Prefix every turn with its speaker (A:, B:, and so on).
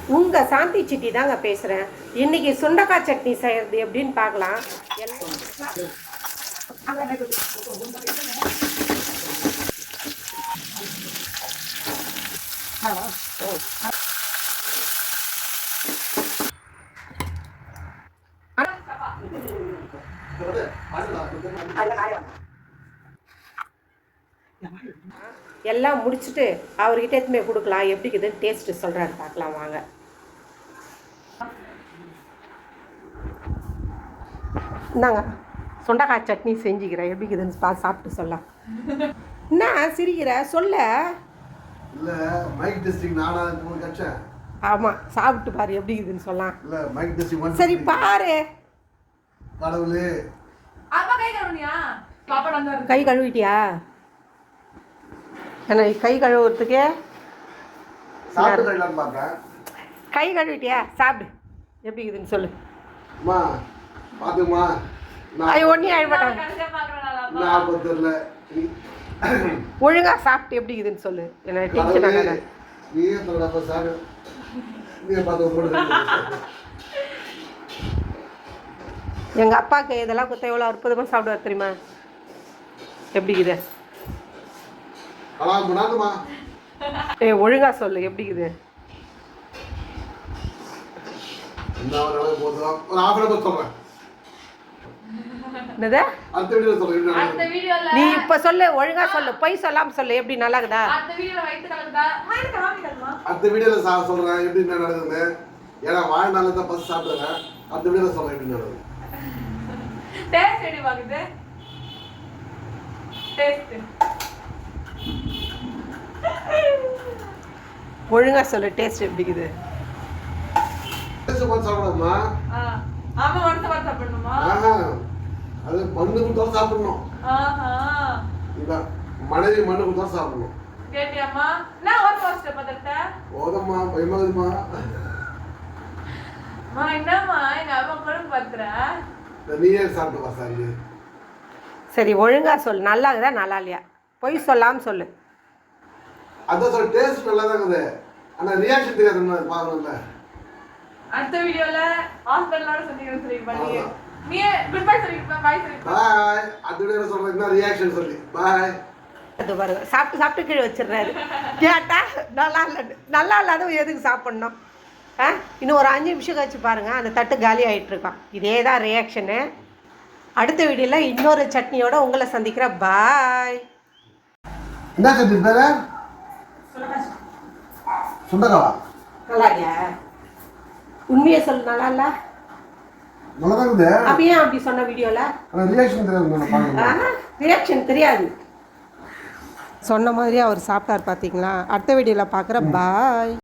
A: உங்கள் சாந்தி சிட்டி தாங்க பேசுகிறேன். இன்றைக்கி சுண்டக்காய் சட்னி செய்கிறது எப்படின்னு பார்க்கலாம். எல்லாம் முடிச்சுட்டு அவர்கிட்ட எடுத்துமே கொடுக்கலாம். எப்படி இருக்குதுன்னு டேஸ்ட்டு சொல்கிறாரு, பார்க்கலாம் வாங்க. இந்தாங்க சுண்டக்காய் சட்னி செஞ்சுக்கிறேன். எப்படி இருக்குதுன்னு சாப்பிட்டு சொல்லலாம். என்ன சிரிக்கிற சொல்ல?
B: இல்லை மைக் டெஸ்டிங் நானா கட்சேன்.
A: ஆமாம், சாப்பிட்டு பாரு எப்படி இருக்குதுன்னு சொல்லலாம்.
B: இல்லை மைக் டெஸ்டிங்
A: சரி பாரு.
B: கடவுளே,
A: கை கழுவிட்டியா? என்ன கை கழுவுறதுக்கே
B: சாப்பிட்டு கழிலாம் பார்த்தேன்.
A: கை கழுவிட்டியா? சாப்பிடு எப்படி இருக்குதுன்னு சொல்லு.
B: அம்மா பார்த்துமா,
A: அது ஒன்றே ஆயிடுமாட்டாங்க.
B: நான் தெரியல.
A: ஒழுங்கா சாப்பிட்டு எப்படி இருக்குதுன்னு சொல்லு. என்ன டென்ஷன் ஆகாத.
B: நீயே சொல்லப்பா சார், நீயே பார்த்து போடுது.
A: எங்கள் அப்பாவுக்கு இதெல்லாம் கொடுத்தா எவ்வளோ அற்புதமாக சாப்பிடுவார் தெரியுமா? எப்படி இருக்குது? ஒழுங்கா சொல்லு எப்படி இருக்குது? நீ இப்ப சொல்லு, ஒழுங்கா சொல்லு, பொய் சொல்லாம சொல்லு. எப்படி நல்லா இருக்குதா?
B: அடுத்த வீடியோல சொல்றேன் எப்படி நடக்குதுன்னு. ஏன்னா வாழ்நாள் தான் பஸ் சாப்பிடுறேன். அடுத்த வீடியோல சொல்றேன் எப்படி நடக்குது.
C: டேஸ்ட் எப்படி பாக்குது? டேஸ்ட்
A: ஒழுங்கா சொல்லு, டேஸ்ட் எப்படி இருக்குது?
B: டேஸ்ட் பார்த்து சாப்பிடணுமா?
C: ஆமா, ஒருத்த பார்த்து சாப்பிடணுமா?
B: அது மண்ணு கொடுத்தா சாப்பிடணும். இல்ல மனைவி மண்ணு கொடுத்தா சாப்பிடணும்.
C: கேட்டியாமா? நான் ஒரு போஸ்ட் பதட்ட
B: ஓதம்மா பயமாதுமா.
C: மா என்னம்மா எங்க அம்மா குழம்பு பத்துற?
B: நீயே சாப்பிட்டு பாசாங்க.
A: சரி ஒழுங்கா சொல்லு, நல்லா இருக்குதா நல்லா இல்லையா? பொய் சொல்லாம சொல்லு.
B: அதான் சொல்ல, டேஸ்ட் நல்லா தான் இருக்குது. ஆனா ரியாக்ஷன் தெரியாது, பாக்கணும்ல.
C: அடுத்த வீடியோல ஹாஸ்பிடலோட சொல்லிக்கிறேன். சரி பண்ணி நீ குட் பை சொல்லி பை சொல்லி
B: பாய். அடுத்த வீடியோல சொல்றேன் என்ன ரியாக்ஷன் சொல்லி பாய்.
A: அது பாருங்க, சாப்பிட்டு சாப்பிட்டு கீழே வச்சிடுறாரு. கேட்டா நல்லா இல்லை, நல்லா இல்லாத எதுக்கு சாப்பிட்ணும்? இன்னும் ஒரு 5 நிமிஷம் கழிச்சு பாருங்கள், அந்த தட்டு காலி ஆகிட்டு இருக்கான். இதே தான் ரியாக்ஷனு. அடுத்த வீடியோவில் இன்னொரு சட்னியோட உங்களை சந்திக்கிறேன். பாய்.
B: என்ன சட்னி பேரு? சுண்டக்காவா?
A: நல்லா இல்லையா? உண்மையை சொல்லு, நல்லா இல்லை?
B: நல்லா தான் இருக்குது.
A: அப்போ ஏன் அப்படி சொன்ன வீடியோவில்?
B: ரியாக்ஷன் தெரியாது.
A: ரியாக்ஷன் தெரியாது. சொன்ன மாதிரி அவர் சாப்பிட்டார் பார்த்தீங்களா? அடுத்த வீடியோவில் பார்க்குறேன். பாய்.